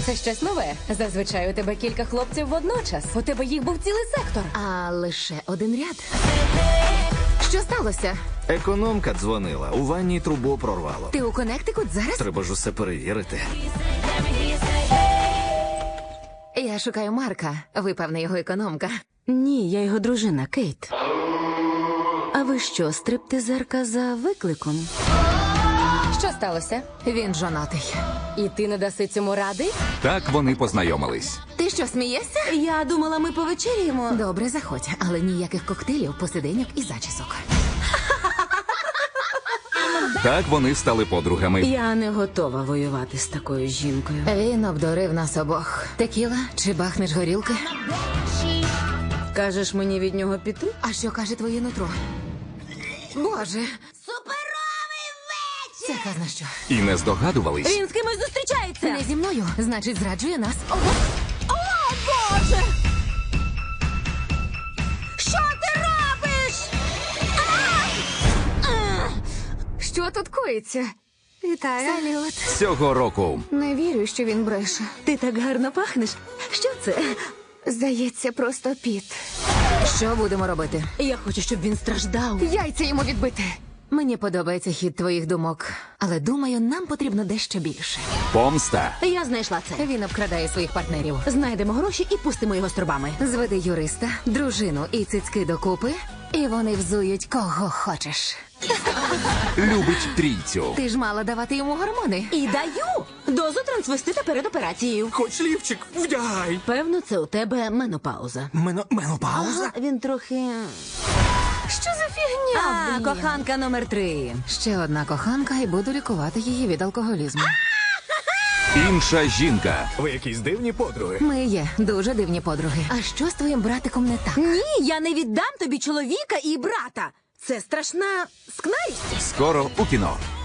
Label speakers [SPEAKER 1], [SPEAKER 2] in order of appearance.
[SPEAKER 1] Це щось нове. Зазвичай у тебе кілька хлопців водночас. У тебе їх був цілий сектор.
[SPEAKER 2] А лише один ряд. Що сталося?
[SPEAKER 3] Економка дзвонила, у ванні трубу прорвало.
[SPEAKER 2] Ти у Коннектикут зараз?
[SPEAKER 3] Треба ж усе перевірити.
[SPEAKER 2] Я шукаю Марка. Ви, певне, його економка.
[SPEAKER 4] Ні, я його дружина, Кейт. А ви що, стриптизерка за викликом?
[SPEAKER 1] Що сталося?
[SPEAKER 2] Він жонатий.
[SPEAKER 1] І ти не даси цьому ради?
[SPEAKER 5] Так вони познайомились.
[SPEAKER 2] Ти що, смієшся?
[SPEAKER 4] Я думала, ми повечеряємо.
[SPEAKER 2] Добре, заходь, але ніяких коктейлів, посиденьок і зачісок.
[SPEAKER 5] Так вони стали подругами.
[SPEAKER 4] Я не готова воювати з такою жінкою.
[SPEAKER 2] Він обдурив нас обох. Текіла чи бахнеш горілки?
[SPEAKER 4] Кажеш мені від нього піти?
[SPEAKER 2] А що каже твоє нутро? Боже.
[SPEAKER 4] Суперовий вечір!
[SPEAKER 2] Це казна що.
[SPEAKER 5] І не здогадувались,
[SPEAKER 4] Він з кимось зустрічається!
[SPEAKER 2] Не зі мною, значить, зраджує нас.
[SPEAKER 4] О, Боже! Що ти робиш?
[SPEAKER 2] Що тут коїться?
[SPEAKER 4] Вітаю.
[SPEAKER 2] Салют.
[SPEAKER 5] цього року
[SPEAKER 2] Не вірю, що він бреше.
[SPEAKER 4] Ти так гарно пахнеш. Що це?
[SPEAKER 2] Здається, просто піт. Що будемо робити?
[SPEAKER 4] Я хочу, щоб він страждав.
[SPEAKER 2] Яйця йому відбити. Мені подобається хід твоїх думок, але думаю, нам потрібно дещо більше.
[SPEAKER 5] помста.
[SPEAKER 4] Я знайшла це.
[SPEAKER 2] Він обкрадає своїх партнерів.
[SPEAKER 4] Знайдемо гроші і пустимо його струбами.
[SPEAKER 2] Зведи юриста, дружину і цицьки докупи, і вони взують кого хочеш.
[SPEAKER 5] Любить трійцю.
[SPEAKER 2] Ти ж мала давати йому гормони.
[SPEAKER 4] І даю дозу трансвестита перед операцією.
[SPEAKER 6] Хоч лівчик, вдягай.
[SPEAKER 4] Певно, це у тебе менопауза.
[SPEAKER 6] Менопауза?
[SPEAKER 4] Він трохи...
[SPEAKER 2] Що за фігня? блін?
[SPEAKER 4] Коханка номер 3.
[SPEAKER 2] Ще одна коханка, і буду лікувати її від алкоголізму.
[SPEAKER 5] Інша жінка.
[SPEAKER 6] Ви якісь дивні подруги.
[SPEAKER 2] Ми є дуже дивні подруги. А що з твоїм братиком не так?
[SPEAKER 4] Ні, я не віддам тобі чоловіка і брата. Це страшна скнарість.
[SPEAKER 5] Скоро у кіно.